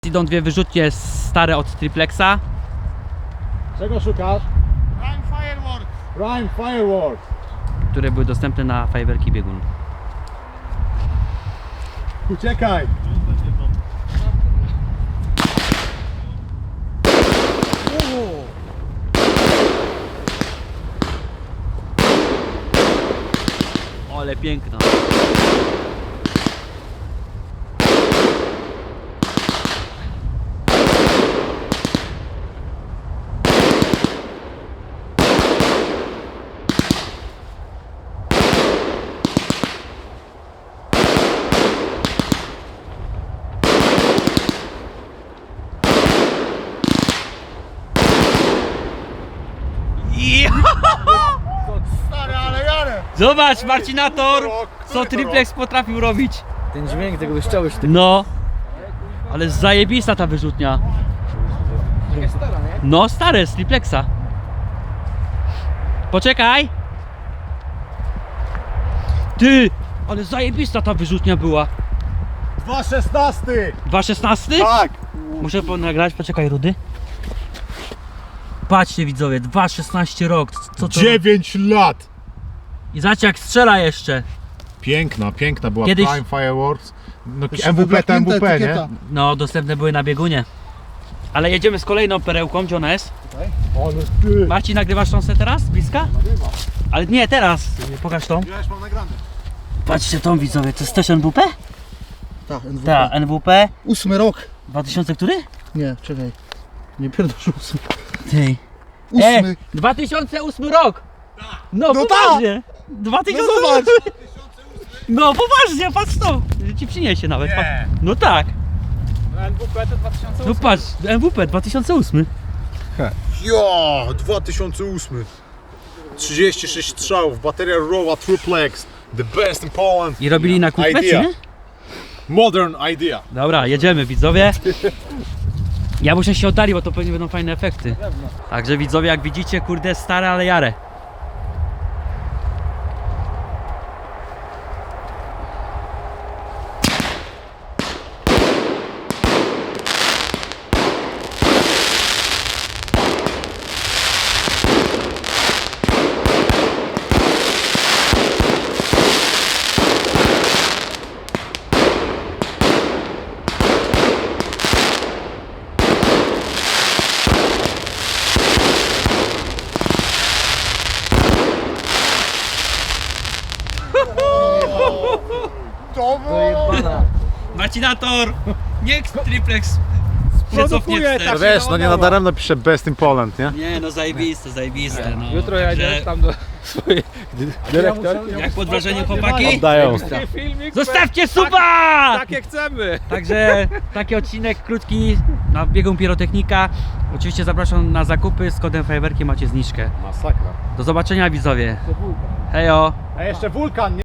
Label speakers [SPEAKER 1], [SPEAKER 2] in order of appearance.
[SPEAKER 1] idą dwie wyrzutnie stare od Triplexa.
[SPEAKER 2] Czego szukasz?
[SPEAKER 3] Prime Fireworks.
[SPEAKER 2] Prime Fireworks.
[SPEAKER 1] Które były dostępne na Fajerwerki Biegun.
[SPEAKER 2] Uciekaj.
[SPEAKER 1] Ale piękna.
[SPEAKER 3] Stary, ale jarę.
[SPEAKER 1] Zobacz, Marcinator, co Triplex potrafił robić.
[SPEAKER 4] Ten dźwięk tego wyszczały sztyk.
[SPEAKER 1] No, ale zajebista ta wyrzutnia.
[SPEAKER 4] Stara, nie?
[SPEAKER 1] No, stare z Triplexa. Poczekaj. Ty, ale zajebista ta wyrzutnia była.
[SPEAKER 2] 2,16.
[SPEAKER 1] 2,16?
[SPEAKER 2] Tak.
[SPEAKER 1] Muszę nagrać, poczekaj, Rudy. Patrzcie widzowie, 2,16 rok. Co to?
[SPEAKER 2] 9 lat.
[SPEAKER 1] I zobaczcie jak strzela jeszcze.
[SPEAKER 2] Piękna była
[SPEAKER 1] Kiedyś-
[SPEAKER 2] Prime Fireworks. No,
[SPEAKER 3] Jeszcze
[SPEAKER 2] MWP to
[SPEAKER 3] wyblaknięta
[SPEAKER 2] MWP, nie?
[SPEAKER 3] etykieta.
[SPEAKER 1] No, dostępne były na biegunie. Ale jedziemy z kolejną perełką, gdzie ona jest?
[SPEAKER 2] Ale ty.
[SPEAKER 1] Marcin, nagrywasz tą teraz? Z bliska? Ale nie, teraz. Pokaż tą.
[SPEAKER 2] Ja już mam nagrane.
[SPEAKER 1] Patrzcie tą widzowie, to jest też NWP?
[SPEAKER 3] Tak, NWP.
[SPEAKER 1] Tak, NWP.
[SPEAKER 3] 8 rok.
[SPEAKER 1] 2000 który?
[SPEAKER 3] Nie, czekaj. Nie pierdolę 8.
[SPEAKER 1] Ty.
[SPEAKER 3] 8.
[SPEAKER 1] 2008 rok! No,
[SPEAKER 3] No
[SPEAKER 1] poważnie! 2008! No poważnie, patrz to! Że ci przyniesie nawet.
[SPEAKER 2] Nie.
[SPEAKER 1] No tak.
[SPEAKER 4] NWP to 2008.
[SPEAKER 1] No patrz, NWP 2008.
[SPEAKER 2] Ja, 2008. 36 strzałów, bateria Rowa Triplex. The best in Poland.
[SPEAKER 1] I robili na kupę, czy
[SPEAKER 2] Idea.
[SPEAKER 1] nie?
[SPEAKER 2] Modern idea.
[SPEAKER 1] Dobra, jedziemy widzowie. Ja muszę się oddalić, bo to pewnie będą fajne efekty. Także widzowie, jak widzicie, kurde, stare, ale jare.
[SPEAKER 4] Dojebana.
[SPEAKER 1] Marcinator! Niech Triplex się cofnie
[SPEAKER 4] tak.
[SPEAKER 1] wstecz.
[SPEAKER 2] Wiesz, no nie nadaremno pisze best in Poland, nie?
[SPEAKER 1] Nie no, zajebiste, no.
[SPEAKER 4] Jutro jadę tam do swojej dyrektor.
[SPEAKER 1] Jak pod wrażeniem chłopaki?
[SPEAKER 2] Dają.
[SPEAKER 4] Filmik.
[SPEAKER 1] Zostawcie suba!
[SPEAKER 4] Takie chcemy.
[SPEAKER 1] Także taki odcinek krótki na biegun pirotechnika. Oczywiście zapraszam na zakupy, z kodem Fajerwerki macie zniżkę.
[SPEAKER 2] Masakra.
[SPEAKER 1] Do zobaczenia widzowie. Hejo!
[SPEAKER 2] A jeszcze wulkan, nie?